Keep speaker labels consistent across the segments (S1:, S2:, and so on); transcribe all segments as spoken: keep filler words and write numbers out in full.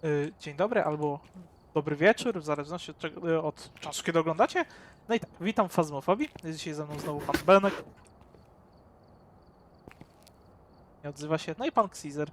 S1: y, dzień dobry albo dobry wieczór, w zależności od, czego, y, od czasu, kiedy oglądacie. No i tak, witam w Fazmofobii. Jest dzisiaj ze mną znowu pan Benek. Nie odzywa się. No i pan Xizer.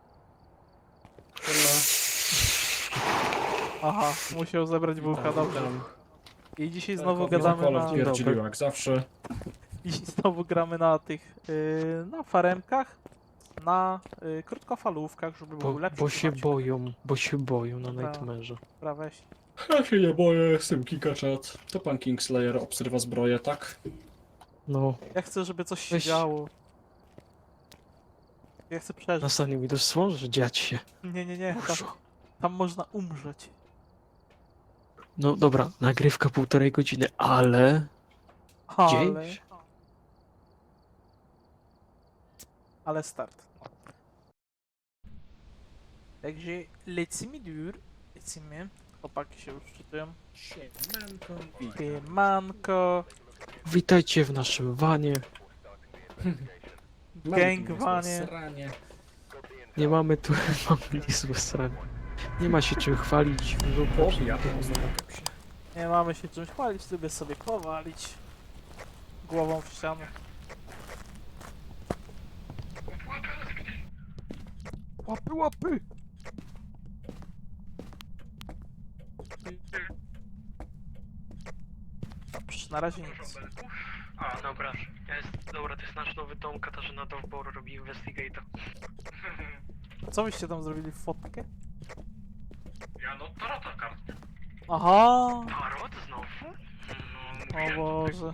S1: Aha, musiał zebrać bułka, dobrze. I dzisiaj znowu gadamy na...
S2: Pierdzilił jak zawsze.
S1: I znowu gramy na tych, yy, na faremkach, na yy, krótkofalówkach, żeby
S3: Bo,
S1: był lepszy.
S3: bo się boją, bo się boją na
S1: Dobra.
S3: Nightmare'ze.
S1: Praweś.
S2: Ja się nie boję, jestem Kikaczat. To pan Kingslayer obserwa zbroję, tak?
S3: No,
S1: Ja chcę, żeby coś się
S3: Weź.
S1: działo. Ja chcę przeżyć.
S3: nastanie mi dosłownie, że dziać się.
S1: Nie, nie, nie, tam,
S3: Dużo.
S1: tam można umrzeć.
S3: No dobra, nagrywka półtorej godziny, ale...
S1: Ale...
S3: Dzieje się.
S1: Ale start. Także lecimy dur. Lecimy. Chłopaki się już czytują. Manko.
S3: Witajcie w naszym wanie.
S1: Gangwanie.
S3: Nie mamy tu... mamy niezłe strony. Nie ma się czym chwalić.
S1: Nie mamy się czymś chwalić, lubię sobie powalić. Głową w ścianę. Łapy, łapy! Dobrze, na razie nic.
S4: A, dobra. Jest, dobra, to jest nasz nowy dom. Katarzyna Dowbor robi Investigator.
S1: Co wyście tam zrobili w fotkę?
S4: Ja no, tarota kart.
S1: Aha!
S4: Tarot znowu?
S1: O
S4: No,
S1: Boże.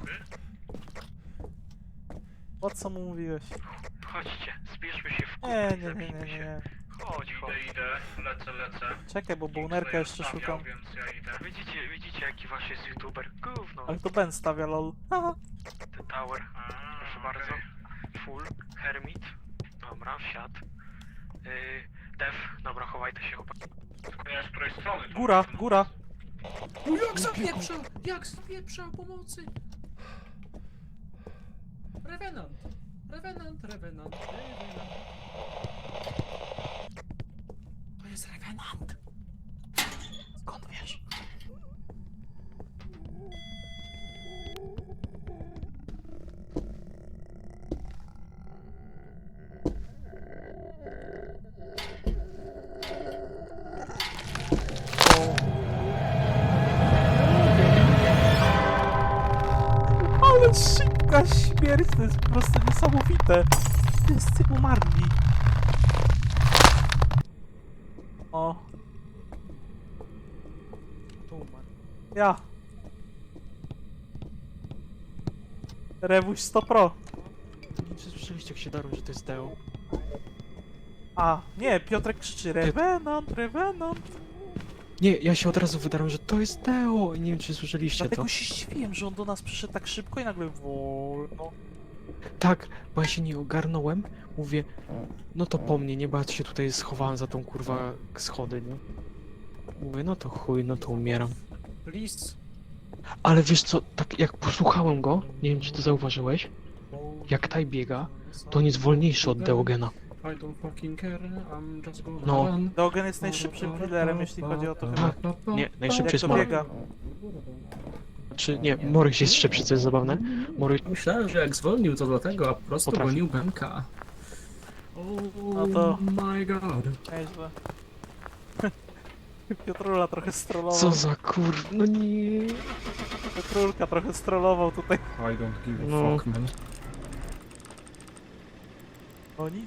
S1: Po co mu mówiłeś?
S4: chodźcie, zbierzmy się w
S1: Nie,
S4: kupę i
S1: nie, nie, nie,
S4: zabijmy
S1: nie,
S4: się.
S1: nie.
S4: Chodź, chodź.
S5: Idę, idę, lecę, lecę.
S1: Czekaj, bo bołnerka jeszcze
S5: Stawiał,
S1: szukam.
S5: Więc ja idę.
S4: Widzicie, widzicie jaki wasz jest youtuber? Gówno.
S1: Ale to Ben stawia lol. Haha.
S4: The Tower.
S5: A,
S4: Proszę
S5: okej.
S4: bardzo. Full. Hermit. Dobra, wsiad. Yy, Dev. Dobra, chowajcie się chłopaki.
S5: Tylko nie wiem, z której strony. to
S1: Góra,
S5: jest.
S1: góra.
S2: No jak zapieprza! Jak zapieprza! Pomocy! Revenant! Revenant, Revenant, Revenant. To jest Revenant!
S1: Skąd wiesz? Ale szybka śmierć, to jest po prostu niesamowite. Wszyscy umarli. O,
S3: To umarł.
S1: ja. Rewuś sto pro.
S3: Nie słyszeliście jak się darł, że to jest Deo?
S1: A, nie, Piotrek krzyczy Revenant, Revenant.
S3: Nie, ja się od razu wydarłem, że to jest Deo! I nie wiem czy słyszeliście
S1: Dlatego
S3: to.
S1: się zdziwiłem, że on do nas przyszedł tak szybko i nagle wolno.
S3: Tak, bo ja się nie ogarnąłem. Mówię, no to po mnie, nie, bo ja się tutaj schowałem za tą kurwa schody, nie? Mówię, no to chuj, no to umieram.
S2: Please.
S3: Ale wiesz co, tak jak posłuchałem go, nie wiem czy to zauważyłeś, jak taj biega, to on jest wolniejszy od Deogena.
S2: I don't fucking care, I'm just gonna
S3: No.
S2: run.
S1: Dogen jest najszybszym killerem, jeśli chodzi o to chyba.
S3: Tak, nie, najszybciej
S1: Jak
S3: jest
S1: to
S3: Morek.
S1: biega.
S3: Czy nie, Morek jest szybszy, co jest zabawne. Morek,
S2: Myślałem, że jak zwolnił to dlatego, a po prostu
S3: Potrafi.
S2: gonił Benka.
S1: No
S2: Oh
S1: to-
S2: my god.
S1: Nieźle. Piotrula trochę strollował.
S3: co za kur... no nie...
S1: Piotrulka trochę strollował tutaj.
S2: I don't give a
S3: No.
S2: fuck, man.
S1: O nic.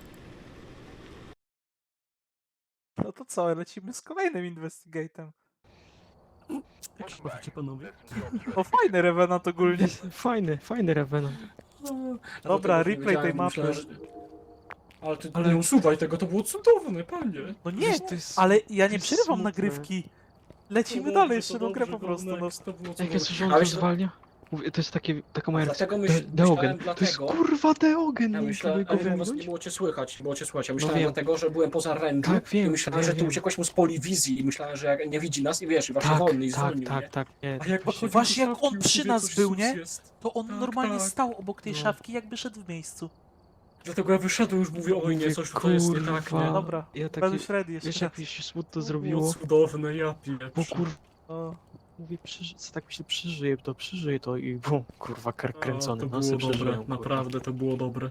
S1: No to co, lecimy z kolejnym investigatem.
S3: Jak się bawicie panowie?
S1: O, fajny Revenant ogólnie.
S3: Fajny, fajny Revenant.
S1: Dobra,
S2: Ja tego nie
S1: replay tej
S2: wiedziałem,
S1: mapy.
S2: myślałem, że- Ale ty
S3: Ale-
S2: nie usuwaj tego, to było cudowne, panie.
S1: No nie,
S3: Wiesz, to jest-
S1: ale ja
S3: to
S1: nie
S3: jest
S1: przerywam
S3: smutne.
S1: nagrywki. Lecimy dalej, jeszcze tą grę po prostu. No.
S3: Jak ja słyszę, on
S2: Ale
S3: to
S2: się-
S3: zwalnia? Mówię, to jest takie, taka moja reakcja.
S2: Dlatego myśl,
S3: De- Deogen,
S2: myślałem
S3: to jest
S2: dlatego...
S3: kurwa Deogen,
S2: Ja
S3: nie
S2: myślałem,
S3: mogę
S2: ale
S3: go
S2: nie, was nie
S3: wyminąć.
S2: było cię słychać, nie było cię słychać. Ja myślałem
S3: wiem.
S2: dlatego, że byłem poza range'u
S3: Tak, wiem,
S2: i myślałem,
S3: wiem,
S2: że ty
S3: wiem.
S2: uciekłeś mu z polewizji i myślałem, że jak nie widzi nas i wiesz, i właśnie
S3: Tak,
S2: wolny i
S3: tak,
S2: zwolnił,
S3: tak,
S2: nie?
S3: tak, nie.
S2: A jak podchodził
S1: Właśnie
S2: do
S1: jak
S2: szafki,
S1: on
S2: już
S1: przy
S2: mówię,
S1: nas
S2: coś
S1: był,
S2: sus
S1: nie?
S2: jest.
S1: To on
S2: Tak,
S1: normalnie
S2: tak.
S1: stał obok tej
S3: No.
S1: szafki, jakby szedł w miejscu.
S2: Dlatego ja wyszedłem, już mówię, oj nie, coś tutaj jest nie tak, nie?
S3: Kurwa.
S1: Dobra,
S3: Ja taki,
S1: będę ready jeszcze
S3: wiesz
S1: raz.
S3: jak mi się smutno
S2: Było
S3: zrobiło?
S2: cudowne, ja pieprzę.
S3: Bo kurwa,
S1: O,
S3: mówię, przeży... tak myślę, przeżyję to, przeżyję to i bum, kurwa, kark
S2: O,
S3: kręcony,
S2: to
S3: no
S2: było
S3: se
S2: dobre,
S3: przeżyłem, kurwa.
S2: naprawdę to było dobre.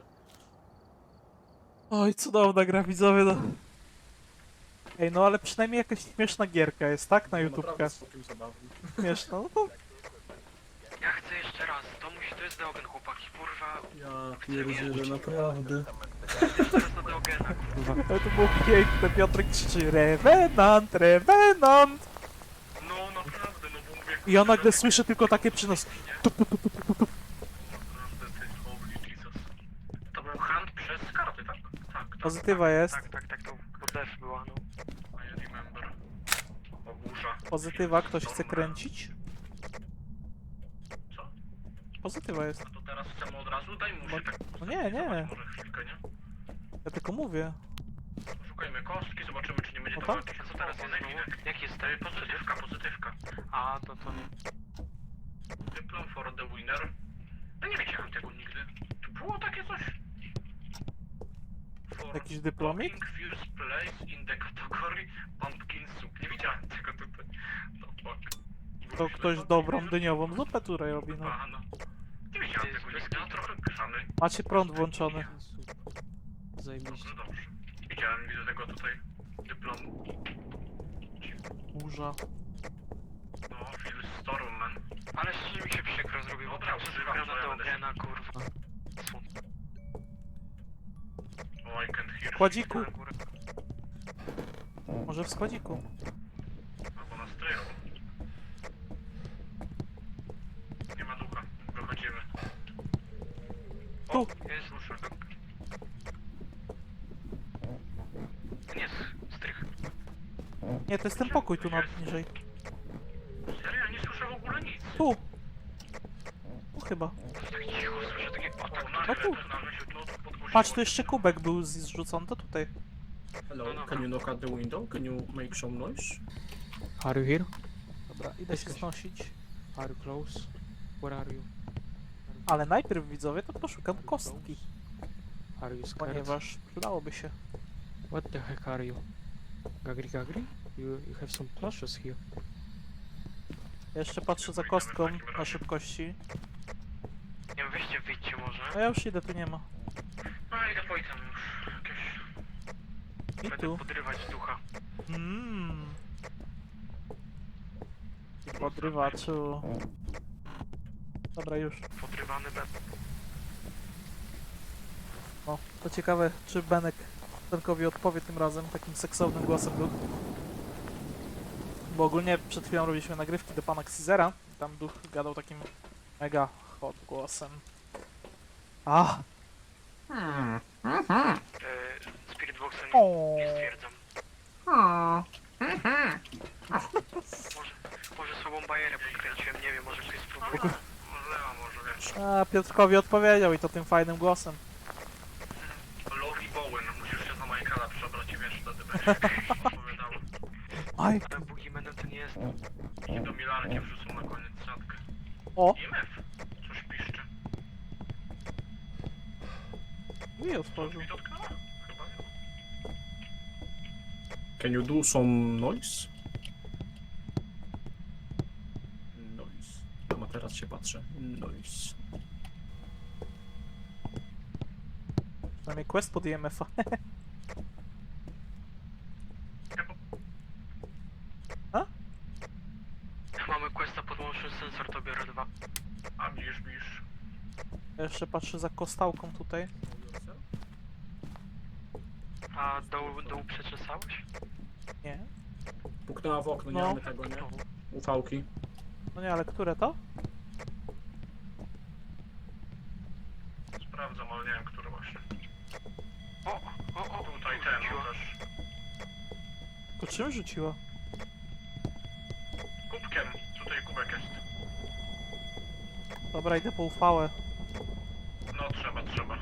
S1: Oj, cudowna gra, widzowie, no. Ej, no ale przynajmniej jakaś śmieszna gierka jest, tak? Na YouTubkę.
S2: Naprawdę całkiem zabawnie.
S1: Śmieszna, no to...
S4: Ja chcę jeszcze raz, to musi, to jest Deogen, chłopaki, kurwa.
S2: Ja pierdzielę, naprawdę.
S4: Teraz na Deogena, kurwa.
S1: Ale to było piękne, Piotrek krzyczy Revenant, Revenant!
S5: No naprawdę, no bo mówię...
S1: I ja nagle słyszę tylko takie przy nas.
S5: Naprawdę, ty, holy Jesus. To był hand przez karty, tak? Tak, tak.
S1: Pozytywa jest.
S4: Tak, tak, tak, to bo def była, no.
S5: I remember. O, burza.
S1: Pozytywa, ktoś chce kręcić?
S5: Co?
S1: Pozytywa jest.
S5: No to teraz chcemy od razu? Daj mu się tak...
S1: No nie, nie.
S5: Może chwilkę, nie?
S1: Ja tylko mówię.
S5: Szukajmy kostki, zobaczymy czy nie będzie
S1: No
S5: to
S1: tak?
S5: jakieś...
S4: A co teraz jest znowu? Jaki jest ten?
S5: Pozytywka, pozytywka.
S4: A, to to nie.
S5: Dyplom for the winner. No nie widziałem tego nigdy. Tu było takie coś? For
S1: Jakiś dyplomik?
S5: cooking first place in the category pumpkin soup. Nie widziałem tego tutaj. No fuck.
S1: To ktoś dobrą dyniową zupę tutaj robi, no.
S5: A, no. Nie widziałem tego nigdy, a trochę grzany.
S1: Macie prąd włączony.
S3: Zajebiście.
S5: Dobrze, dobrze. Widziałem, widzę tego tutaj dyplomu.
S1: Burza.
S5: No, Phil Stormman.
S4: Ale szczerze mi się przykro zrobiło,
S5: Dobra,
S4: bo
S5: używam,
S4: gra
S5: to ja
S4: na
S5: będę
S4: Deogena, kurwa. Smutno.
S5: Oh, I can hear.
S1: Kładziku.
S4: Na górę.
S1: Może w składziku.
S5: Albo na strychu. Nie ma ducha. Wychodzimy.
S1: Tu.
S4: Jest, nie, strych.
S1: Nie, to jest ten pokój tu na niżej.
S5: Serio? Ja nie słyszę w ogóle nic.
S1: Tu! Tu chyba.
S4: Tak cicho słyszę takie... O, tak,
S5: O,
S1: No
S5: nagle,
S1: tu.
S5: nagle się to podgłosiło.
S1: Patrz, tu jeszcze kubek był z- zrzucony, to tutaj.
S2: Hello, can you knock at the window? Can you make some noise?
S3: Are you here?
S1: Dobra, idę się znosić.
S3: Are you close? Where are you?
S1: Ale najpierw, widzowie, to poszukam kostki.
S3: Are you scared?
S1: Ponieważ przydałoby się.
S3: What the heck are you? Gagri Gagri? You, you have some plushes here.
S1: Ja jeszcze patrzę za kostką na szybkości.
S4: nie wiem, weźcie, wyjdźcie może.
S1: No ja już idę, tu nie ma.
S5: No idę po item już. Jakieś...
S1: I
S4: Będę
S1: tu.
S4: podrywać ducha.
S1: Mmm. Podrywaczu. Dobra, już.
S4: Podrywany bez...
S1: No, to ciekawe, czy Benek Benkowi odpowie tym razem takim seksownym głosem duch. Bo ogólnie przed chwilą robiliśmy nagrywki do pana Xizera. Tam duch gadał takim mega hot głosem. A!
S4: E, Spirit Boxem
S1: O.
S4: nie stwierdzam. Może, może słabą bajerę podkręciłem, nie wiem, może ktoś spróbuje.
S5: Może, a może wiesz.
S1: A, Piotrkowi odpowiedział i to tym fajnym głosem.
S5: Lori Bowen, musisz się za Michaela przebrać i wiesz, wtedy będziesz opowiadał.
S1: Aj!
S4: Ale Boogeymanem to nie jest.
S5: I do Milarki wrzucą na koniec siatkę.
S1: O!
S5: I M F. Coś piszczy.
S1: I otworzył.
S5: Mi dotknęła? Chyba nie.
S2: Can you do some noise? Noise. No a teraz się patrzę. Noise.
S1: Przynajmniej quest pod I M F-a.
S4: Mamy questa podłączny sensor, to biorę dwa.
S5: A bliż, bliż.
S1: Ja jeszcze patrzę za kostałką tutaj.
S4: A dół, dół przeczesałeś?
S1: Nie.
S2: Puknęła w okno, nie
S1: No.
S2: mamy tego, nie? Ufałki.
S1: No nie, ale które to?
S5: Sprawdzam, ale nie wiem, który właśnie.
S4: O, o, o,
S5: Tutaj
S4: tu
S5: ten
S4: rzuciła.
S5: no też.
S1: To czym rzuciła?
S5: Kubkiem. Tutaj kubek jest.
S1: Dobra, idę po uchwałę.
S5: No trzeba, trzeba.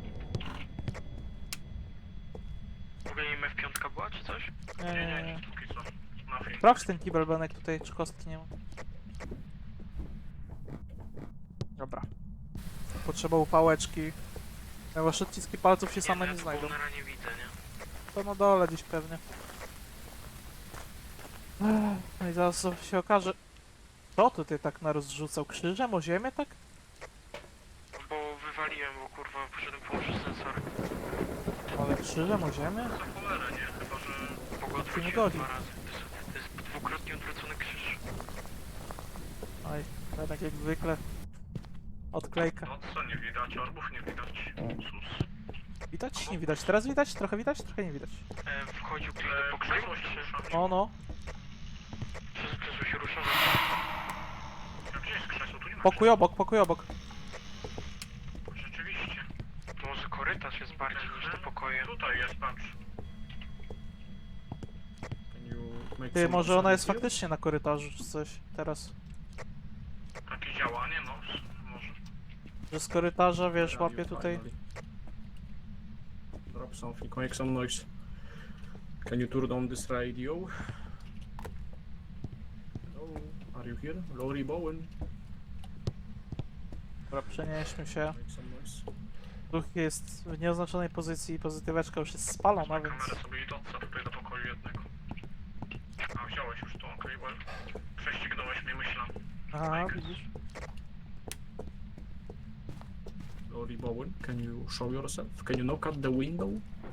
S4: W ogóle M F pięć była, czy coś?
S1: Nie,
S5: Nie,
S1: nie,
S5: nie,
S1: nie.
S5: nie. Póki co. Nothing.
S1: Sprawdź ten kibel Benek tutaj, czy kostki nie ma. Dobra. Potrzeba upałeczki. Ponieważ odciski palców się same
S4: ja
S1: nie
S4: tu
S1: znajdą.
S4: Bonera nie widzę, nie?
S1: To na dole gdzieś pewnie. Ech, no i zaraz się okaże... Co tutaj tak narozrzucał? Krzyżem o ziemię, tak?
S4: No bo wywaliłem, bo kurwa poszedłem położyć sensor.
S1: Ale krzyżem o ziemię?
S5: Za cholerę, nie? Chyba, że...
S4: Bo go
S1: nie
S4: odwróciłem
S1: godzi.
S4: dwa razy. To jest, to jest dwukrotnie odwrócony krzyż.
S1: Oj, tak jak zwykle. Odklejka.
S5: No co nie widać? Orbów nie widać. Sus.
S1: Widać? Nie widać. Teraz widać? Trochę widać? Trochę nie widać.
S4: E, wchodził ktoś
S5: Ale
S4: do pokoju?
S5: krzesło się
S4: Czy,
S5: rusza.
S1: No, no.
S4: czy krzesło się rusza?
S5: A gdzie jest krzesło? Tu nie ma
S1: Pokój obok, pokój obok.
S5: krzesła. Rzeczywiście.
S4: To może korytarz jest bardziej niż te pokoje.
S5: Tutaj jest, patrz.
S2: Can you make
S1: Ty,
S2: some
S1: może ona jest
S2: sound here?
S1: faktycznie na korytarzu czy coś teraz.
S5: Takie działanie, no. Może.
S1: Że z korytarza, wiesz,
S2: Radio
S1: łapie tutaj.
S2: finally. Drop something, make some noise. Can you turn on this radio? Hello, are you here? Lori Bowen,
S1: Dobra, przenieśmy się.
S2: make some noise.
S1: Duch jest w nieoznaczonej pozycji, pozytyweczka już jest spalona,
S5: Wezmę
S1: więc...
S5: kamerę sobie i doca tutaj do pokoju jednego. A, wziąłeś już to, okej, well. Prześcignąłeś mnie, myślę.
S1: Aha, widzisz?
S2: Lori Bowen, can you show yourself? Can you knock at the window?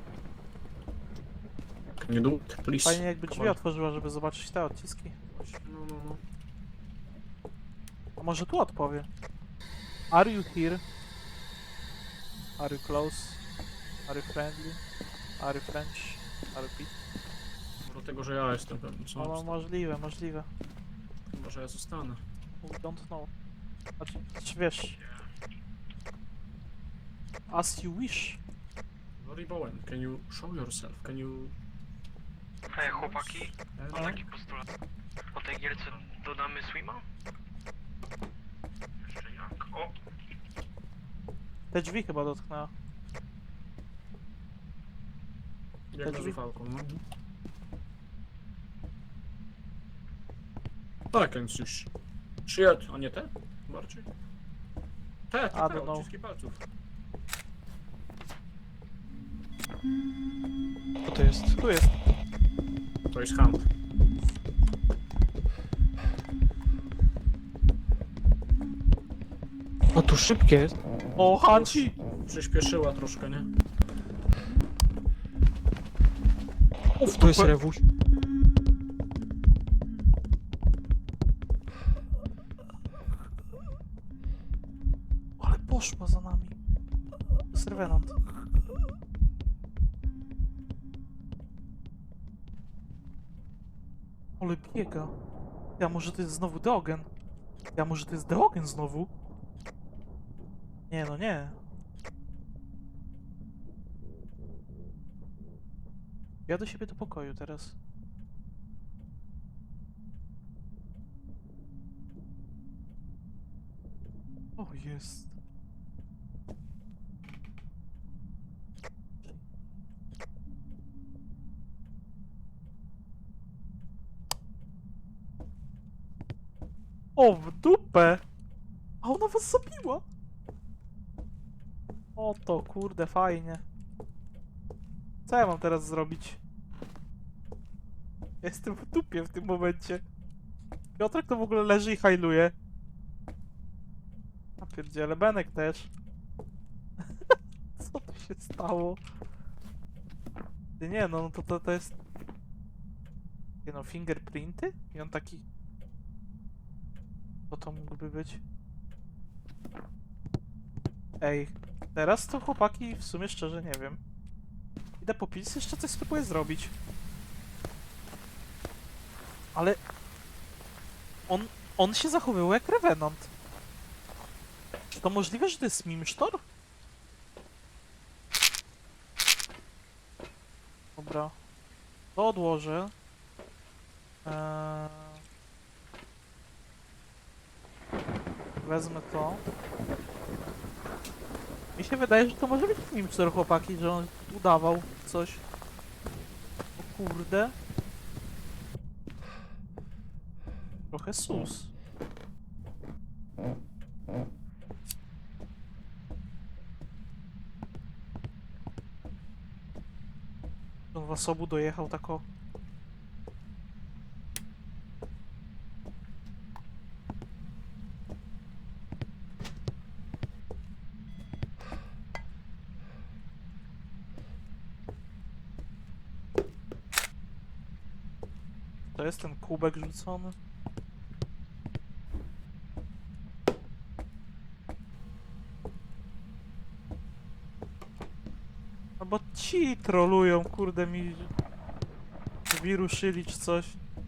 S2: Can you do it, please?
S1: Fajnie jakby
S2: Come
S1: drzwi
S2: on.
S1: otworzyła, żeby zobaczyć te odciski.
S2: No, no, no.
S1: A może tu odpowie? Are you here? Are you close? Are you friendly? Are you French? Are you Pete?
S2: Do tego, że ja jestem pewny, co?
S1: No, no możliwe, możliwe.
S2: Chyba, że ja zostanę.
S1: We don't know. Znaczy, znaczy wiesz... As you wish.
S2: Lori Bowen, can you show yourself? Can you...
S4: Ej, chłopaki,
S2: Eh,
S4: mam taki postulat. Po tej gierce dodamy swima?
S5: Jeszcze jak? O!
S1: Te drzwi chyba dotknęła.
S2: Jak na
S1: drzwi?
S2: zufałką, no. Tak, więc już... Shit, a nie te? Bardziej? Te,
S1: I
S2: te,
S1: don't
S2: te,
S1: know.
S2: odciski palców.
S3: Co to jest?
S1: Tu jest.
S2: To jest hand.
S3: O, tu szybkie jest.
S1: O, Hanci!
S2: Przyspieszyła troszkę, nie?
S3: Uf, to jest rewuś.
S1: Ale poszła za nami. To jest Revenant. Ale biega. Ja może to jest znowu Deogen. Ja może to jest Deogen znowu? Nie no nie. Ja do siebie do pokoju teraz. O, jest. O, w dupę! A ona was zabiła! O to, kurde, fajnie. Co ja mam teraz zrobić? Jestem w dupie w tym momencie. Piotrek to w ogóle leży i hajluje. A pierdziele, Benek też. Co tu się stało? Ty nie, no to, to, to jest... Nie no, fingerprinty? I on taki... Co to mógłby być? Ej, teraz to chłopaki w sumie szczerze nie wiem. Idę po pils, jeszcze coś spróbuję zrobić. Ale... On, on się zachowywał jak Revenant. Czy to możliwe, że to jest Mimsztor? Dobra. To odłożę. Eee... Wezmę to. Mi się wydaje, że to może być Mimsztor, chłopaki, że on udawał coś. O kurde. Trochę sus. sposobu dojechał tak o. To jest ten kubek rzucony. No bo ci trolują, kurde mi drzwi ruszyli czy coś.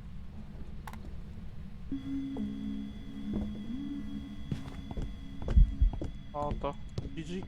S1: O to. G G.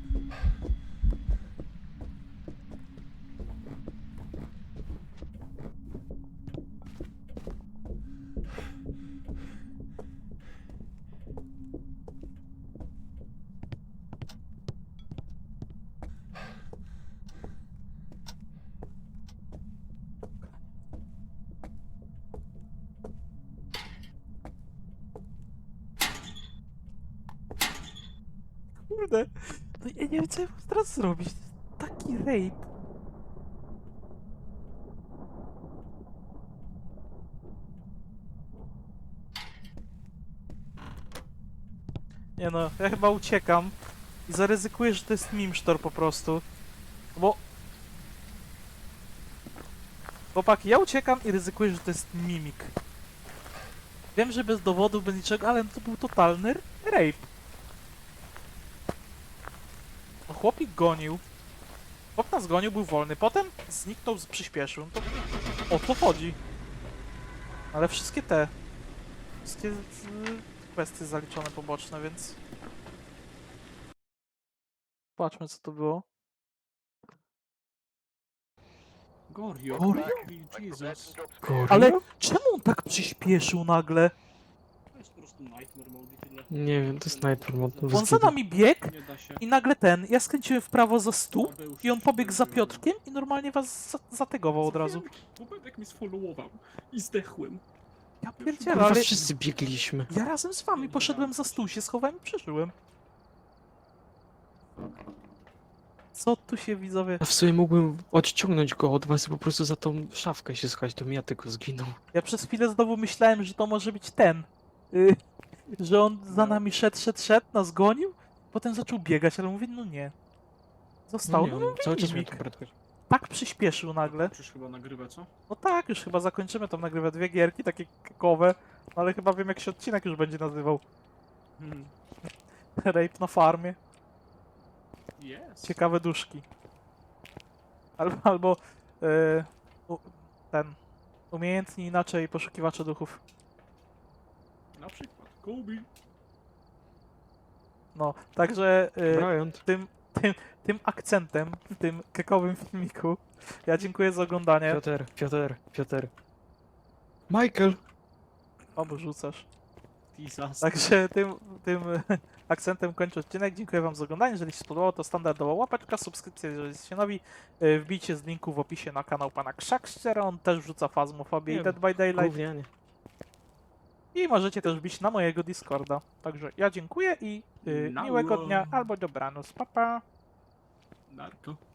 S1: Kurde, no ja nie wiem co ja mam teraz zrobić. To jest taki rape. Nie no, ja chyba uciekam i zaryzykuję, że to jest mimsztor po prostu. Bo... Chłopaki, ja uciekam i ryzykuję, że to jest mimik. Wiem, że bez dowodów, bez niczego, ale to był totalny rape. No, chłopik gonił. Chłop nas gonił, był wolny. Potem zniknął, z- przyspieszył. No to o to chodzi. Ale wszystkie te... Wszystkie y, kwestie zaliczone poboczne, więc... Patrzmy, co to było.
S2: Gorio.
S1: Gorio?
S2: Jesus.
S3: Gorio?
S1: Ale czemu on tak przyspieszył nagle?
S2: To jest po prostu Nightmare Mode i tyle.
S3: Nie wiem, to jest Nightmare Mode. bez
S1: On za
S3: kitu.
S1: nami biegł
S2: Nie da się.
S1: i nagle ten... Ja skręciłem w prawo za stół
S2: Tadeusz
S1: i on pobiegł za
S2: się
S1: Piotrkiem i normalnie was za zategował od razu.
S2: Bubek mi sfollowował i zdechłem.
S1: Ja pierdzielę,
S3: Kurwa,
S1: ale...
S3: wszyscy biegliśmy.
S1: Ja razem z wami poszedłem za stół, się schowałem i przeżyłem. Co tu się widzowie...
S3: A w sumie mógłbym odciągnąć go od was i po prostu za tą szafkę się schować, to mi ja tylko zginął.
S1: Ja przez chwilę znowu myślałem, że to może być ten. Y, że on za
S2: No.
S1: nami szedł, szedł, szedł, nas gonił, potem zaczął biegać, ale mówię, no nie. Został,
S3: nie,
S1: no,
S3: on
S1: no
S3: cały czas miał
S1: mimik.
S3: tą prędkość.
S1: Tak przyspieszył nagle.
S2: Przecież chyba nagrywa, co?
S1: No tak, już chyba zakończymy tą nagrywę dwie gierki, takie kekowe, no ale chyba wiem jak się odcinek już będzie nazywał.
S2: Hmm.
S1: Rape na farmie.
S2: Yes.
S1: Ciekawe duszki. Albo, albo y, u, ten. Umiejętni inaczej poszukiwacze duchów.
S2: Na przykład Kobe.
S1: No, także y,
S3: Bryant.
S1: tym, tym, tym akcentem, w tym kekowym filmiku, ja dziękuję za oglądanie.
S3: Piotr, Piotr, Piotr. Michael!
S1: O, bo rzucasz.
S2: Jesus.
S1: Także tym, tym akcentem kończę odcinek. Dziękuję wam za oglądanie. Jeżeli się spodobało, to standardowa łapeczka, subskrypcja, jeżeli jesteście nowi. Y, Wbijcie z linku w opisie na kanał pana Krzakściera. On też wrzuca Phasmophobia i
S3: Nie,
S1: Dead by Daylight.
S3: Gównianie.
S1: I możecie też wbić na mojego Discorda. Także ja dziękuję i y,
S2: Nało.
S1: miłego dnia albo dobranoc. Pa, pa.
S2: Narko.